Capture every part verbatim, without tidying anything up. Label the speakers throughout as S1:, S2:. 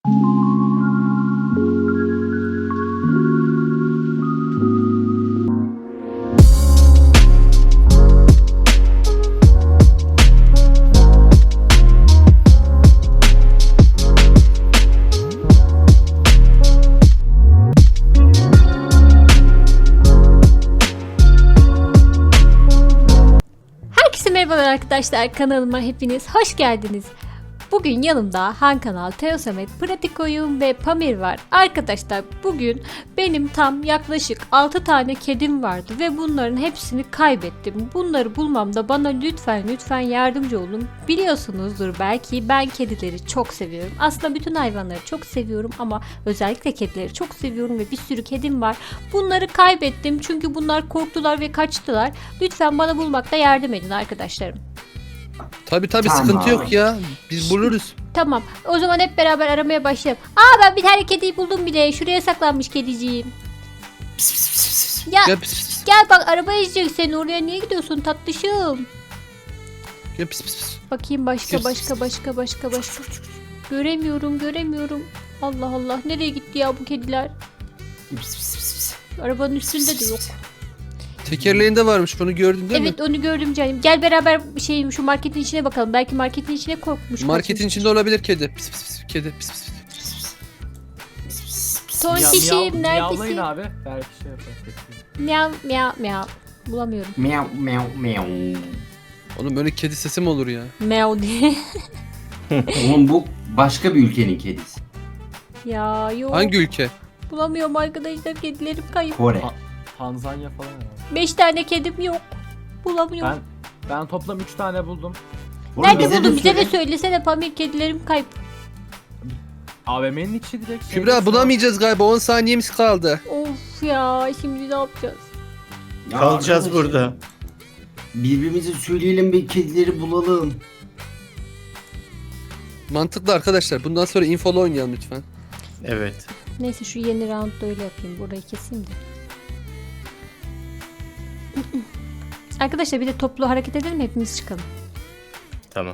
S1: Merhaba arkadaşlar, kanalıma hepiniz hoş geldiniz. Bugün yanımda Han Kanal, Teo Samet, Pratik Oyun ve Pamir var. Arkadaşlar bugün benim tam yaklaşık altı tane kedim vardı ve bunların hepsini kaybettim. Bunları bulmamda bana lütfen lütfen yardımcı olun. Biliyorsunuzdur belki ben kedileri çok seviyorum. Aslında bütün hayvanları çok seviyorum ama özellikle kedileri çok seviyorum ve bir sürü kedim var. Bunları kaybettim çünkü bunlar korktular ve kaçtılar. Lütfen bana bulmakta yardım edin arkadaşlarım.
S2: Tabi tabi
S3: Tamam.
S2: sıkıntı yok ya. Biz buluruz.
S1: Tamam. O zaman hep beraber aramaya başlayalım. Aa, ben bir tane kediyi buldum bile. Şuraya saklanmış kediciğim.
S3: Pis pis pis pis.
S1: Ya
S2: Gel pis pis pis.
S1: gel bak, araba ezecek seni. Oraya niye gidiyorsun tatlışım?
S2: Gel pis pis pis.
S1: Bakayım başka
S2: Pis,
S1: başka
S2: pis,
S1: başka başka başka. Göremiyorum göremiyorum. Allah Allah, nereye gitti ya bu kediler?
S3: Pis pis pis pis.
S1: Arabanın üstünde de yok.
S2: Tekerleğinde varmış, bunu gördün değil
S1: Evet
S2: mi?
S1: onu gördüm canım. Gel beraber şey şu marketin içine bakalım. Belki marketin içine korkmuş.
S2: Marketin
S1: kaçmış.
S2: içinde olabilir kedi. Pis pis pis. Kedi pis pis pis.
S3: Pis pis pis.
S1: Tontişim
S4: Miyav- Miyavlayın
S1: neredesin?
S4: abi. Belki şey yapar.
S1: Miyav miyav miyav. Bulamıyorum.
S3: Meow meow meow.
S2: Oğlum böyle kedi sesi mi olur ya?
S1: Meow diye.
S3: Oğlum bu başka bir ülkenin kedisi.
S1: Ya yok.
S2: Hangi ülke?
S1: Bulamıyorum arkadaşlar, kedilerim kayıp.
S3: Kore.
S4: Ha- Tanzanya falan var.
S1: Beş tane kedim yok. Bulamıyorum.
S4: Ben ben toplam üç tane buldum.
S3: Oğlum
S1: Nerede
S3: bize de
S1: buldun? Bize de
S3: söyle.
S1: söylesene Pamir, kedilerim kayıp.
S4: A V M'nin içi direkt. şey
S2: Kübra
S4: mesela.
S2: bulamayacağız galiba. on saniyemiz kaldı.
S1: Of ya, şimdi ne yapacağız?
S3: Ya
S5: Kalacağız
S3: arkadaş,
S5: burada.
S3: Birbirimize söyleyelim bir kedileri bulalım.
S2: Mantıklı arkadaşlar. Bundan sonra infolu oynayalım lütfen.
S5: Evet.
S1: Neyse şu yeni roundda öyle yapayım. Burayı keseyim de. Arkadaşlar bir de toplu hareket edelim, hepimiz çıkalım.
S5: Tamam.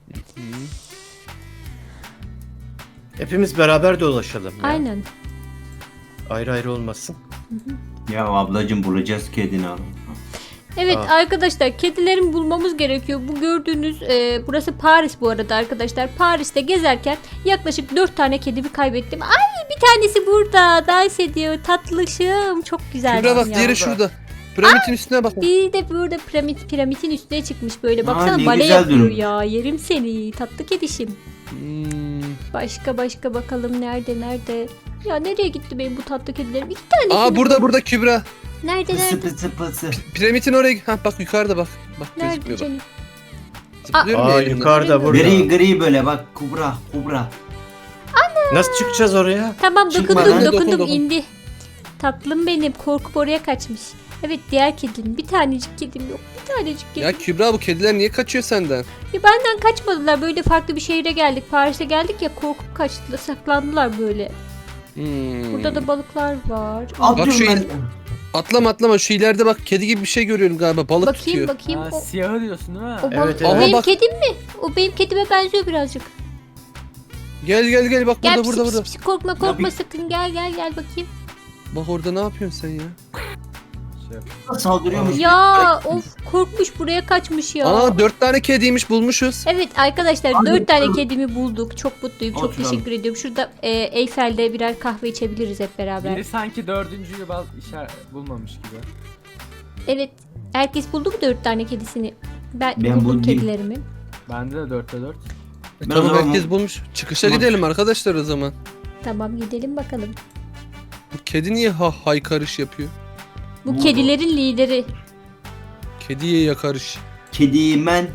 S5: Hepimiz beraber dolaşalım. ya.
S1: Aynen.
S5: Ayrı ayrı olmasın.
S3: Ya ablacım bulacağız kedini abi.
S1: Evet
S5: Aa.
S1: arkadaşlar, kedilerimi bulmamız gerekiyor. Bu gördüğünüz e, burası Paris bu arada arkadaşlar. Paris'te gezerken yaklaşık dört tane kedimi kaybettim. Ay, bir tanesi burada dans ediyor, tatlışım, çok güzel.
S2: Kübra bak,
S1: ya.
S2: diğeri şurada. Piramidin üstüne bak.
S1: Bir de burada piramit, piramidin üstüne çıkmış böyle. Baksana,
S3: ne
S1: bale
S3: güzel
S1: yapıyor
S3: durum.
S1: ya. Yerim seni tatlı kedişim.
S2: Hmm.
S1: Başka başka bakalım, nerede nerede? Ya nereye gitti benim bu tatlı kedilerim? İki tane.
S2: Aa, burada burada Kübra.
S1: Nerede
S3: Pısı
S1: nerede?
S3: pısı pısı.
S2: Piramidin oraya. Ha bak, yukarıda bak. Bak
S1: Nerede
S2: gözükmüyor bak.
S1: canım?
S2: Zıplıyorum ya
S5: Aa
S2: elimden.
S5: yukarıda burada.
S3: Gri gri böyle bak kubra kubra.
S5: Nasıl çıkacağız oraya?
S1: Tamam,
S3: Çıkma
S1: dokundum
S3: lan.
S1: dokundum,
S2: Dokun, dokun.
S1: indi. Tatlım benim, korkup oraya kaçmış. Evet, diğer kedim. Bir tanecik kedim yok. Bir tanecik kedim.
S2: Ya Kübra, bu kediler niye kaçıyor senden?
S1: Ya benden kaçmadılar. Böyle farklı bir şehire geldik. Paris'e geldik ya, korkup kaçtılar. Saklandılar böyle.
S2: Hmm.
S1: Burada da balıklar var.
S3: Atlıyorum
S2: şu
S3: ben.
S2: il- Atlama atlama, şu ileride bak, kedi gibi bir şey görüyorum galiba, balık
S1: Bakayım
S2: tutuyor.
S1: bakayım.
S4: Ha,
S1: O,
S4: siyahı diyorsun değil mi?
S1: o balık
S5: Evet,
S1: o
S5: evet.
S1: benim
S2: Aha, bak.
S1: kedim mi? O benim kedime benziyor birazcık.
S2: Gel gel gel, bak
S1: Gel
S2: burada
S1: pis,
S2: burada
S1: pis,
S2: burada.
S1: pis, korkma korkma
S3: bir-
S1: sakın, gel gel gel bakayım.
S2: Bak orada ne yapıyorsun sen ya?
S4: Şey yap.
S3: Saldırıyormuş.
S1: Ya of, korkmuş, buraya kaçmış ya.
S2: Aa, dört tane kediymiş, bulmuşuz.
S1: Evet arkadaşlar,
S3: Hadi
S1: dört tane
S3: bakalım.
S1: kedimi bulduk. Çok mutluyum. Çok
S3: Oturalım.
S1: teşekkür ediyorum. Şurada e, Eyfel'de birer kahve içebiliriz hep beraber.
S4: Biri sanki dördüncüyü baz işaret bulmamış gibi.
S1: Evet. Herkes buldu mu dört tane kedisini? Ben,
S3: Ben
S1: buldum
S3: buldum.
S1: kedilerimi.
S4: Bende de dörtte dört.
S2: E,
S3: Ben
S2: tamam,
S3: o zaman-
S2: herkes bulmuş. Çıkışa
S3: Tamam.
S2: gidelim arkadaşlar o zaman.
S1: Tamam, gidelim bakalım.
S2: Bu kedi niye ha haykarış yapıyor?
S1: Bu
S3: Bu-
S1: kedilerin lideri.
S2: Kediye yakarış.
S3: Kediyim ben.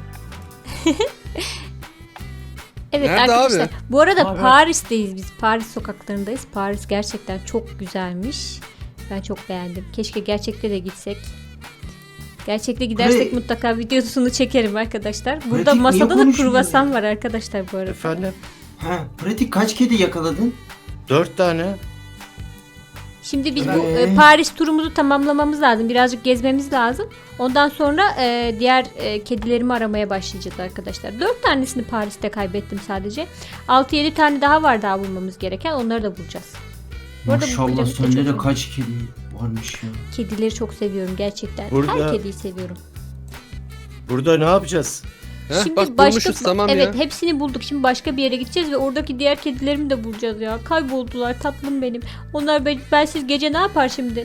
S1: Evet
S2: Nerede
S1: arkadaşlar.
S2: abi?
S1: Bu arada
S4: Abi.
S1: Paris'teyiz biz. Paris sokaklarındayız. Paris gerçekten çok güzelmiş. Ben çok beğendim. Keşke gerçekte de gitsek. Gerçekte gidersek
S3: Buraya-
S1: mutlaka videosunu çekerim arkadaşlar. Burada
S3: Pratik,
S1: masada
S3: niye
S1: da
S3: konuşmuyor
S1: kruvasan
S3: ya?
S1: var arkadaşlar bu arada.
S5: Efendim?
S3: Ha pratik kaç kedi yakaladın?
S5: Dört tane.
S1: Şimdi biz bu
S3: Evet.
S1: e, Paris turumuzu tamamlamamız lazım. Birazcık gezmemiz lazım. Ondan sonra e, diğer e, kedilerimi aramaya başlayacağız arkadaşlar. dört tanesini Paris'te kaybettim sadece. altı yedi tane daha var daha bulmamız gereken. Onları da bulacağız. Bu arada bu
S3: Maşallah
S1: piramit de
S3: sende
S1: çok
S3: de
S1: iyi.
S3: kaç kedi varmış ya.
S1: Kedileri çok seviyorum gerçekten.
S5: Burada-
S1: Her kediyi seviyorum.
S5: Burada ne yapacağız?
S2: Heh,
S1: Şimdi
S2: bak
S1: başka
S2: bulmuşuz tamam
S1: evet
S2: ya.
S1: hepsini bulduk. Şimdi başka bir yere gideceğiz ve oradaki diğer kedilerimi de bulacağız ya. Kayboldular tatlım benim. Onlar ben, bensiz gece ne yapar şimdi?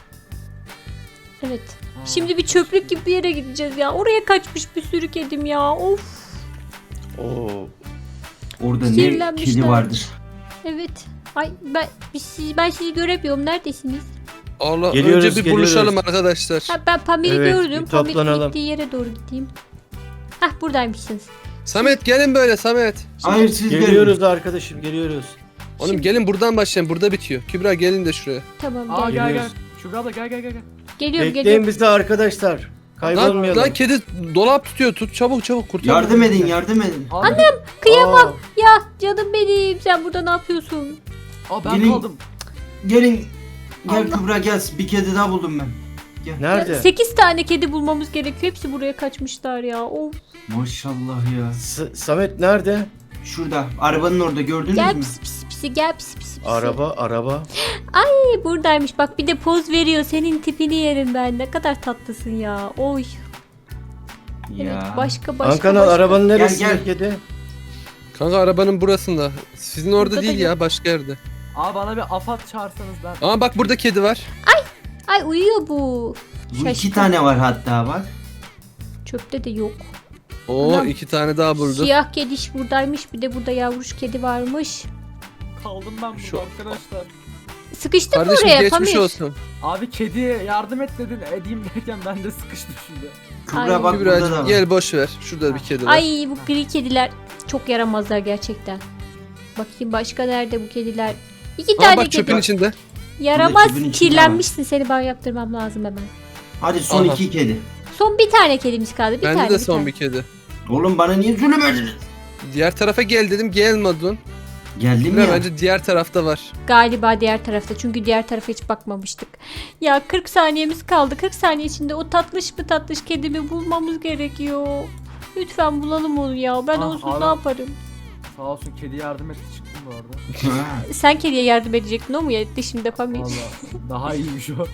S1: Evet. Şimdi bir çöplük gibi bir yere gideceğiz ya. Oraya kaçmış bir sürü kedim ya. Of.
S5: Oo.
S3: Orada ne
S1: Sinirlenmişler.
S3: kedi vardır.
S1: Evet. Ay ben biz siz, ben sizi göremiyorum. Neredesiniz?
S2: Allah
S5: Geliyoruz,
S2: önce bir
S5: geliyoruz.
S2: buluşalım arkadaşlar.
S1: Ha, ben Pamir'i
S5: Evet,
S1: gördüm.
S5: bir
S1: Pamir
S5: toplanalım.
S1: gittiği yere doğru gideyim. Hah buradaymışsınız.
S2: Samet gelin böyle Samet.
S3: Hayır siz
S5: Geliyoruz arkadaşım geliyoruz.
S2: Oğlum
S1: Şimdi-
S2: gelin buradan başlayın. Burada bitiyor. Kübra gelin de şuraya.
S1: Tamam
S4: Aa
S1: gel.
S4: gel gel.
S5: Geliyoruz.
S4: Şurada da gel gel gel. gel.
S1: Geliyorum
S5: Bekleyin
S1: geliyorum.
S5: bizi arkadaşlar.
S2: Lan,
S5: Kaybolmayalım.
S2: lan kedi dolap tutuyor. Tut çabuk çabuk kurtar.
S3: Yardım edin yardım edin.
S4: Abi,
S1: Annem kıyamam.
S5: Aa,
S1: Ya canım benim. Sen burada ne yapıyorsun?
S4: Aa ben
S3: Gelin.
S4: kaldım.
S3: Gelin. Gel
S1: Allah.
S3: Kübra gel. Bir kedi daha buldum ben.
S5: nerede?
S1: sekiz tane kedi bulmamız gerekiyor. Hepsi buraya kaçmışlar ya. Of.
S3: Maşallah ya.
S5: S- Samet nerede?
S3: Şurada. Arabanın orada gördünüz
S1: Gel
S3: mü?
S1: pisi pisi pisi gel pisi pisi pisi.
S5: Araba araba.
S1: Ay, buradaymış. Bak bir de poz veriyor. Senin tipini yerim ben. Ne kadar tatlısın ya. Oy. Evet
S3: Ya.
S1: başka başka
S5: Ankanal
S1: başka.
S5: arabanın neresinde
S3: gel.
S5: kedi?
S2: Kanka arabanın burasında. Sizin orada
S1: Burada da
S2: değil
S1: yok.
S2: ya başka yerde.
S4: Aa bana bir afat çağırsanız ben.
S2: Ama bak burada kedi var.
S1: Ay uyuyor bu.
S3: Bu iki
S1: Şaşkın.
S3: tane var hatta bak.
S1: Çöpte de yok.
S2: Oo
S1: Anam.
S2: iki tane daha buldu.
S1: Siyah kediş buradaymış. Bir de burada yavruş kedi varmış.
S4: Kaldım ben burada
S2: Şu-
S4: arkadaşlar.
S1: Sıkıştın mı
S2: Kardeşim
S1: oraya
S2: geçmiş
S1: Pamir?
S2: olsun.
S4: Abi kediye yardım et dedin edeyim derken ben de sıkıştım şimdi.
S3: Kübra
S1: Ay.
S3: bak burada da
S2: Kübra'cığım
S3: var.
S2: gel boş ver. Şurada bir kedi var.
S1: Ay bu gri kediler çok yaramazlar gerçekten. Bakayım başka nerede bu kediler? İki
S2: Aa,
S1: tane
S2: bak
S1: kedi.
S2: çöpün içinde.
S1: Yaramaz
S3: çöpün içinde
S1: kirlenmişsin. Seni ben yaptırmam lazım hemen.
S3: Hadi son
S2: Aha.
S3: iki kedi.
S1: Son bir tane kedimiz kaldı. Bir
S2: Bende
S1: tane
S2: de
S1: bir
S2: son
S1: tane.
S2: bir kedi.
S3: Oğlum bana niye zulüm ediniz?
S2: Diğer tarafa gel dedim gelmedin.
S3: Geldim
S2: Kübra
S3: ya.
S2: bence diğer tarafta var.
S1: Galiba diğer tarafta. Çünkü diğer tarafa hiç bakmamıştık. Ya kırk saniyemiz kaldı. kırk saniye içinde o tatlış mı tatlış kedimi bulmamız gerekiyor. Lütfen bulalım onu ya. Ben
S4: Ah,
S1: onsuz
S4: abi.
S1: ne yaparım?
S4: Sağ olsun kedi yardım etti çıktım bu arada.
S3: Ha.
S1: Sen kediye yardım edecektin, o mu etti şimdi Pamir?
S4: Valla daha iyiymiş o.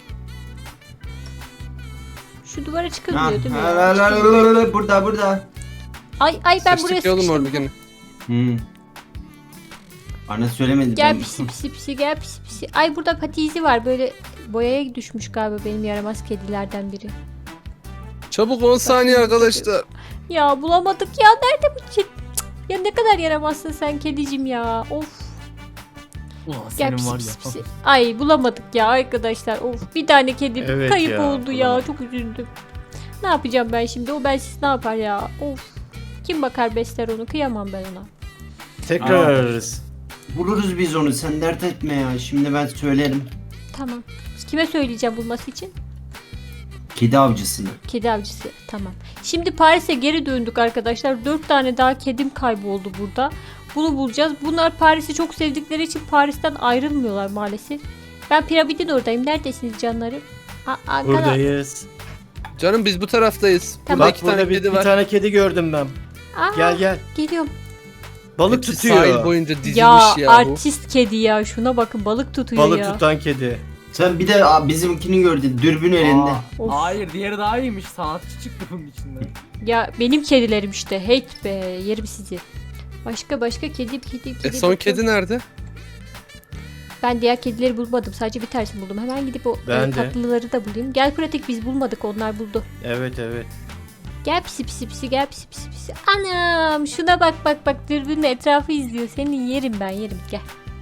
S1: Şu duvara
S3: Ha,
S1: çıkılmıyor değil mi?
S3: ha,
S1: ya?
S3: la, la,
S1: Çıkılmıyor.
S3: la, la, burada burada.
S1: Ay ay ben buraya
S2: Sıçtık ya oğlum orada
S1: sıkıştım.
S2: gene.
S3: Hmm. Bana söylemedi.
S1: Gel
S3: ben-
S1: pisi pisi pisi gel pisi pisi. Ay burada patizi var, böyle boyaya düşmüş galiba benim yaramaz kedilerden biri.
S2: Çabuk on saniye arkadaşlar.
S1: Ya bulamadık ya, nerede bu kedi? Cık, ya ne kadar yaramazsın sen kedicim ya. Of.
S4: Ulan
S1: Gel
S4: senin
S1: pisi
S4: var
S1: pisi
S4: ya.
S1: pisi. Ay bulamadık ya arkadaşlar. Of, bir tane kedim
S5: Evet
S1: kayıp
S5: ya,
S1: oldu ya.
S5: bulamadık.
S1: Çok üzüldüm. Ne yapacağım ben şimdi? O bensiz ne yapar ya? Of. Kim bakar besler onu? Kıyamam ben ona.
S5: Tekrar
S3: Aa.
S5: ararız.
S3: Buluruz biz onu, sen dert etme ya. Şimdi ben söylerim.
S1: Tamam. Kime söyleyeceğim bulması için?
S3: Kedi avcısını.
S1: Kedi avcısı. Tamam. Şimdi Paris'e geri döndük arkadaşlar. Dört tane daha kedim kayboldu burada. Bunu bulacağız. Bunlar Paris'i çok sevdikleri için Paris'ten ayrılmıyorlar maalesef. Ben piramidin oradayım. Neredesiniz canlarım? A- Ankara.
S5: Buradayız.
S2: Canım biz bu taraftayız.
S1: Tamam.
S2: Burada
S5: Bak
S2: iki
S5: burada
S2: tane
S5: bir,
S2: kedi
S5: bir
S2: var.
S5: tane kedi gördüm ben.
S1: Aa,
S5: Gel gel.
S1: Geliyorum.
S5: Balık
S2: Hepsi
S5: tutuyor.
S2: sahil boyunca dizilmiş
S1: Ya,
S2: ya, bu.
S1: artist kedi ya. Şuna bakın, balık tutuyor
S5: Balık
S1: ya.
S5: tutan kedi.
S3: Sen bir de aa, bizimkini gördün. Dürbün elinde.
S4: Aa,
S1: Of.
S4: hayır diğeri daha iyiymiş. Sanatçı çıktı bunun içinde.
S1: Ya benim kedilerim işte. Hate be. Yerim sizi. Başka başka kedi kedi kedi.
S2: E son
S1: bakıyorum.
S2: kedi nerede?
S1: Ben diğer kedileri bulmadım. Sadece bir tanesini buldum. Hemen gidip o
S5: Ben
S1: e,
S5: de.
S1: tatlıları da bulayım. Gel pratik, biz bulmadık. Onlar buldu.
S5: Evet evet.
S1: Gel pisi pisi pisi gel pisi pisi pisi. Anam şuna bak bak bak, dürbünle etrafı izliyor. Senin yerim ben yerim, gel.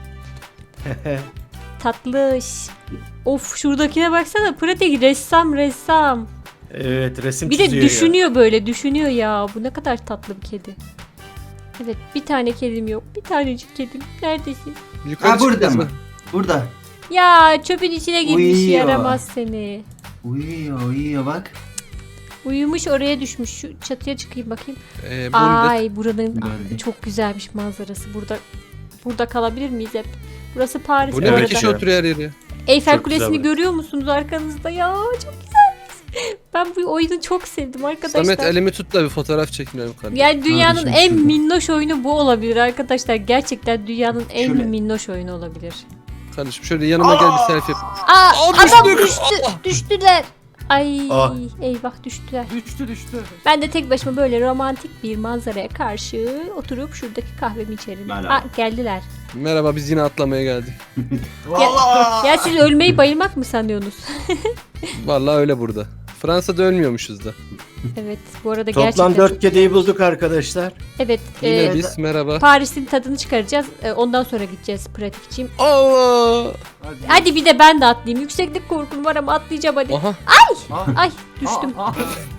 S1: Tatlış. Of, şuradakine baksana, pratik ressam ressam.
S5: Evet resim
S1: Bir de
S5: çiziyor ya.
S1: düşünüyor böyle düşünüyor ya. Bu ne kadar tatlı bir kedi. Evet, bir tane kedim yok. Bir tanecik kedim. Neredesin?
S2: Yukarı
S3: Ha burada
S2: çıkacağız
S3: mı? Burada.
S1: Ya çöpün içine girmiş,
S3: Uyuyor.
S1: yaramaz seni.
S3: Uyuyor uyuyor bak.
S1: Uyumuş, oraya düşmüş. Şu çatıya çıkayım bakayım.
S2: Ee, bulduk.
S1: Ay buranın
S3: Gördüm.
S1: çok güzelmiş manzarası. Burada burada kalabilir miyiz hep? Burası Paris
S2: Bu
S1: bu
S2: ne
S1: arada.
S2: bir kişi oturuyor her yere.
S1: Eyfel
S5: Çok güzel
S1: Kulesi'ni
S5: burası.
S1: görüyor musunuz arkanızda? Ya çok güzel. Ben bu oyunu çok sevdim arkadaşlar.
S2: Samet elimi tut da bir fotoğraf çekmeyelim kardeşim.
S1: Yani dünyanın
S3: Kardeşim,
S1: en
S3: şurada.
S1: minnoş oyunu bu olabilir arkadaşlar. Gerçekten dünyanın en
S3: Şöyle.
S1: minnoş oyunu olabilir.
S2: Kardeşim şöyle yanıma gel bir selfie yap.
S1: Aa,
S2: Aa,
S1: adam
S2: düştük.
S1: düştü. Düştüler. Ay
S5: Ah.
S1: eyvah düştüler.
S4: Düştü düştü.
S1: Ben de tek başıma böyle romantik bir manzaraya karşı oturup şuradaki kahvemi içerim.
S3: Merhaba.
S1: Aa, geldiler.
S2: Merhaba biz yine atlamaya geldik.
S1: Ya, ya siz ölmeyi bayılmak mı sanıyorsunuz?
S2: Vallahi öyle burada. Fransa'da ölmüyormuşuz da.
S1: Evet bu arada
S5: Toplam
S1: gerçekten.
S5: dört kediyi bulduk arkadaşlar.
S1: Evet
S2: Yine
S1: e,
S2: biz merhaba.
S1: Paris'in tadını çıkaracağız. E, ondan sonra gideceğiz pratikçiyim.
S2: Allah!
S4: Hadi.
S1: Hadi bir de ben de atlayayım. Yükseklik korkum var ama atlayacağım hadi.
S2: Aha.
S4: Ah,
S1: Ay düştüm.
S4: ah,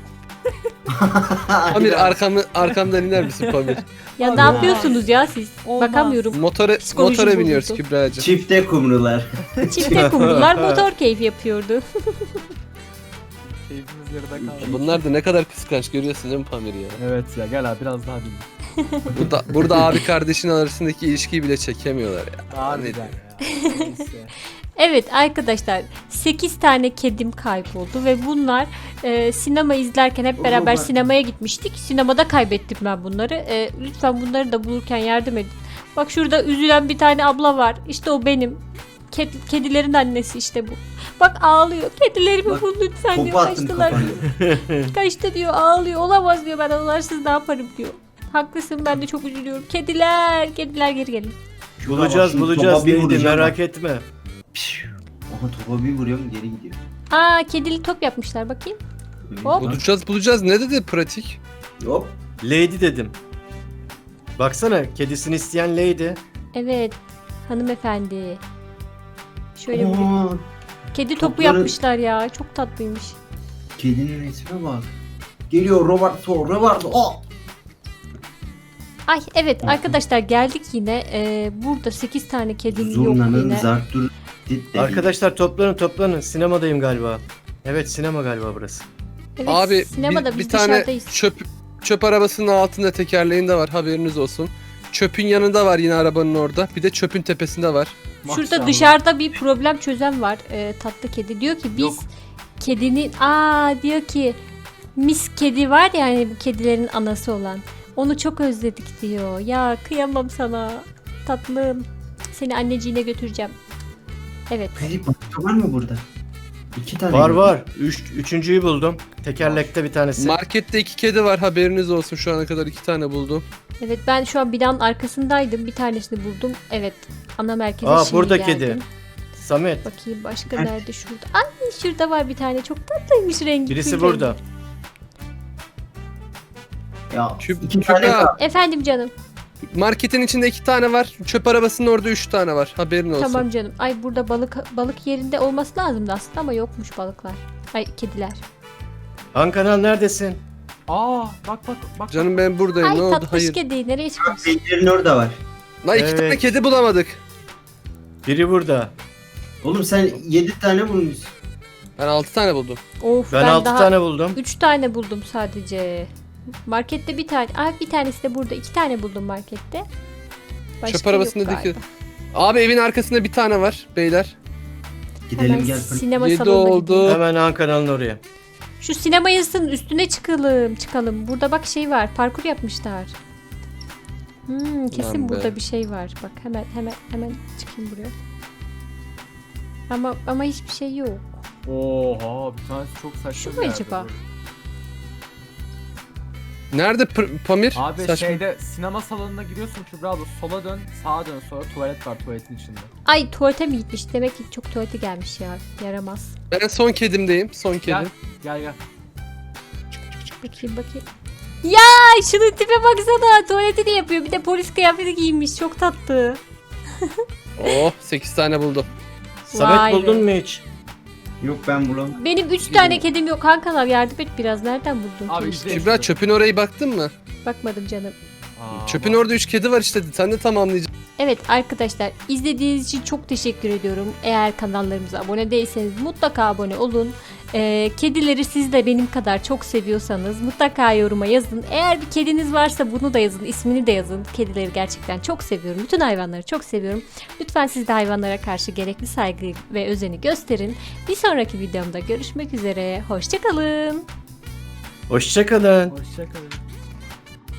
S2: Pamir arkamı, arkamdan iner misin Pamir?
S1: Ya
S4: Abi
S1: ne
S4: ya.
S1: yapıyorsunuz ya siz?
S4: Olmaz.
S1: Bakamıyorum.
S2: Motora,
S1: Psikolojim
S2: motora biniyoruz
S1: bozuldu.
S2: Kübra'cığım.
S3: Çifte kumrular.
S1: Çifte kumrular motor keyfi yapıyordu.
S4: Keyfimiz yarıda kaldı.
S2: Bunlar da ne kadar kıskanç görüyorsun değil mi Pamir ya?
S4: Evet ya gel abi biraz daha dinle.
S2: Burada, burada abi kardeşin arasındaki ilişkiyi bile çekemiyorlar ya.
S4: Harbiden ya. Neyse.
S1: Evet arkadaşlar sekiz tane kedim kayboldu ve bunlar e, sinema izlerken hep beraber
S3: Oha.
S1: sinemaya gitmiştik. Sinemada kaybettim ben bunları. E, lütfen bunları da bulurken yardım edin. Bak şurada üzülen bir tane abla var. İşte o benim. Ked- kedilerin annesi işte bu. Bak ağlıyor. Kedilerimi
S3: Bak,
S1: bul lütfen diyor.
S3: Topu attım
S1: Kaçtılar
S3: kafana.
S1: diyor. Kaçtı diyor. Ağlıyor. Olamaz diyor. Ben onlarsız ne yaparım diyor. Haklısın ben de çok üzülüyorum. Kediler. Kediler geri gelin.
S3: Şurada
S5: Bulacağız
S3: bak, şimdi
S5: bulacağız
S3: topa bir
S5: neydi
S3: vuracağım
S5: merak
S3: bak.
S5: etme.
S3: Pişt. Aha topa bir vuruyorum geri gidiyor.
S1: Aa kedili top yapmışlar bakayım. Hop.
S2: Bulacağız bulacağız ne dedi pratik?
S3: Hop.
S5: Lady dedim. Baksana kedisini isteyen Lady.
S1: Evet. Hanımefendi. Şöyle vurayım.
S3: Aa,
S1: Kedi topu
S3: topları-
S1: yapmışlar ya. Çok tatlıymış.
S3: kedinin resmine bak. Geliyor Roberto, Roberto. Oh!
S1: Ay evet
S3: Hı hı.
S1: arkadaşlar geldik yine. Ee, burada sekiz tane kedim yok
S3: Zurnanın
S1: yine.
S3: zartur. dit dedi.
S5: Arkadaşlar toplanın toplanın. Sinemadayım galiba. Evet sinema galiba burası.
S1: Evet,
S2: Abi
S1: sinemada
S2: bir,
S1: biz
S2: bir tane
S1: dışarıdayız.
S2: çöp çöp arabasının altında tekerleğinde var haberiniz olsun. Çöpün yanında var yine arabanın orada. Bir de çöpün tepesinde var.
S1: Şurada
S4: Maşallah.
S1: dışarıda bir problem çözen var. Ee, tatlı kedi diyor ki biz
S4: Yok.
S1: kedinin aa diyor ki mis kedi var ya hani bu kedilerin anası olan. Onu çok özledik diyor. Ya kıyamam sana. Tatlım. Seni anneciğine götüreceğim. Evet.
S3: Peki başka var mı burada? İki tane.
S5: Var
S3: mi?
S5: var. Üç, üçüncüyü buldum. Tekerlekte bir tanesi.
S2: Markette iki kedi var haberiniz olsun şu ana kadar iki tane buldum.
S1: Evet ben şu an binanın arkasındaydım. Bir tanesini buldum. Evet. Ana merkeze
S5: Aa,
S1: şimdi
S5: burada
S1: geldim.
S5: kedi. Samet.
S1: Bakayım başka
S3: Nerede?
S1: nerede şurada. Ay şurada var bir tane. Çok tatlıymış rengi.
S5: Birisi
S1: gül
S5: burada.
S1: rengi.
S3: Ya
S2: Küp-
S3: iki
S2: Kübra.
S3: tane kaldı.
S1: Efendim canım.
S2: Marketin içinde iki tane var. Çöp arabasının orada üç tane var. Haberin olsun.
S1: Tamam canım. Ay burada balık balık yerinde olması lazımdı aslında ama yokmuş balıklar. Ay kediler.
S5: Han kanal neredesin?
S4: Aa bak bak bak.
S2: Canım ben buradayım.
S1: Ay
S2: ne oldu?
S1: tatlış
S2: Hayır.
S1: kedi. Nereye çıkmış?
S3: Pencerenin orada var.
S2: Lan iki
S5: Evet.
S2: tane kedi bulamadık.
S5: Biri burada.
S3: Oğlum sen yedi tane bulmuşsun.
S2: Ben altı tane buldum.
S1: Of
S5: Ben,
S1: ben,
S5: altı
S1: daha
S5: tane buldum.
S1: üç tane buldum sadece. Markette bir tane. Ay bir tanesi de burada. İki tane buldum markette. Başka
S2: Çöp arabasında
S1: yok
S2: diki.
S1: galiba.
S2: Abi evin arkasında bir tane var beyler.
S3: Gidelim
S1: Hemen
S3: gel.
S1: sinema
S2: Yedi
S1: salonuna
S2: oldu.
S1: gideyim.
S5: Hemen Han kanalın oraya.
S1: Şu sinema yazısının üstüne çıkalım, çıkalım. Burada bak şey var, parkur yapmışlar. Hmm, kesin
S2: Lan be.
S1: burada bir şey var. Bak hemen hemen hemen çıkayım buraya. Ama ama hiçbir şey yok.
S4: Oha bir tanesi çok saçma.
S1: Şu
S4: bir
S1: mu
S4: yerde
S1: acaba?
S4: böyle.
S2: Nerede Pır- Pamir?
S4: Abi
S2: Saçma.
S4: şeyde sinema salonuna giriyorsun Kübra abla sola dön sağa dön sonra tuvalet var tuvaletin içinde.
S1: Ay tuvalete mi gitmiş? Demek ki çok tuvalete gelmiş ya. Yaramaz.
S2: Ben son kedimdeyim. Son kedim.
S4: Gel gel gel.
S1: Bakayım bakayım. Ya şunun tipe baksana. Tuvaletini yapıyor. Bir de polis kıyafeti giymiş. Çok tatlı.
S2: Oh sekiz tane buldum.
S5: Samet
S1: Vay be.
S5: buldun mu hiç?
S3: Yok ben bulamadım.
S1: Benim üç tane kedim yok. Kankalar yardım et biraz. Nereden buldun?
S4: Abi
S1: ki?
S4: izle.
S2: Kübra çöpün orayı baktın mı?
S1: Bakmadım canım.
S4: Aa,
S2: Çöpün
S4: bak.
S2: orada üç kedi var işte. Sen de tamamlayacaksın.
S1: Evet arkadaşlar izlediğiniz için çok teşekkür ediyorum. Eğer kanallarımıza abone değilseniz mutlaka abone olun. Ee, kedileri siz de benim kadar çok seviyorsanız mutlaka yoruma yazın. Eğer bir kediniz varsa bunu da yazın, ismini de yazın. Kedileri gerçekten çok seviyorum. Bütün hayvanları çok seviyorum. Lütfen siz de hayvanlara karşı gerekli saygı ve özeni gösterin. Bir sonraki videomda görüşmek üzere. Hoşçakalın.
S5: Hoşçakalın.
S4: Hoşçakalın.